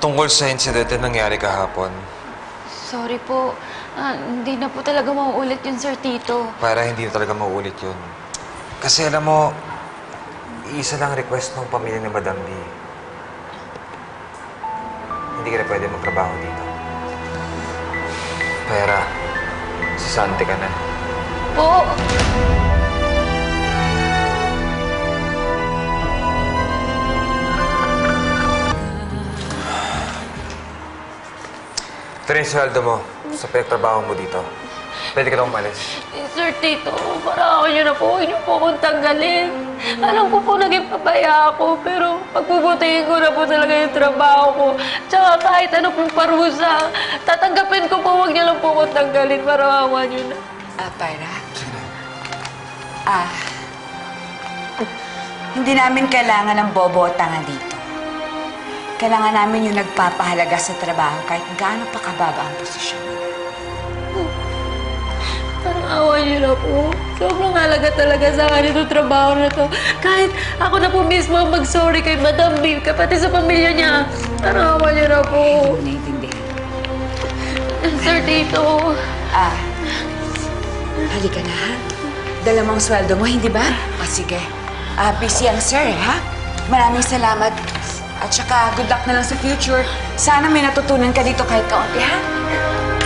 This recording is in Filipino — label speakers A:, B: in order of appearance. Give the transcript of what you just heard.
A: tungkol sa insidente nangyari kahapon.
B: Sorry po. Hindi na po talaga mauulit yun, Sir Tito.
A: Para hindi na talaga mauulit yun. Kasi alam mo, isa lang request ng pamilya ni Madam B. Hindi ka na pwede magtrabaho dito. Pera, sasante ka na.
B: Po!
A: Ito rin yung sweldo mo sa pinagtrabaho mo dito. Pwede ka na umalis.
B: Sir Tito, para ako nyo na po. Huwag niyo po akong tanggalin. Alam ko po naging pabaya ako, pero pagpuputihin ko na po talaga yung trabaho ko. Tsaka kahit ano pong parusa, tatanggapin ko po. Huwag niyo lang po akong tanggalin para awa nyo na.
C: Tyra? Hindi namin kailangan ng bobo o tanga dito. Kailangan namin yung nagpapahalaga sa trabaho kahit gaano pa kababa ang posisyon.
B: Parang awa niyo na po. Sobrang halaga talaga sa akin itong trabaho na to. Kahit ako na po mismo ang mag-sorry kay Madam B, kapati sa pamilya niya. Parang awa niyo na po.
C: Naiintindihan.
B: Sir Tito.
C: Halika na, ha? Dala mo ang sweldo mo, hindi ba? O, sige. Busy ang sir, ha? Maraming salamat. At saka, good luck na lang sa future. Sana may natutunan ka dito kahit kaunti, ha?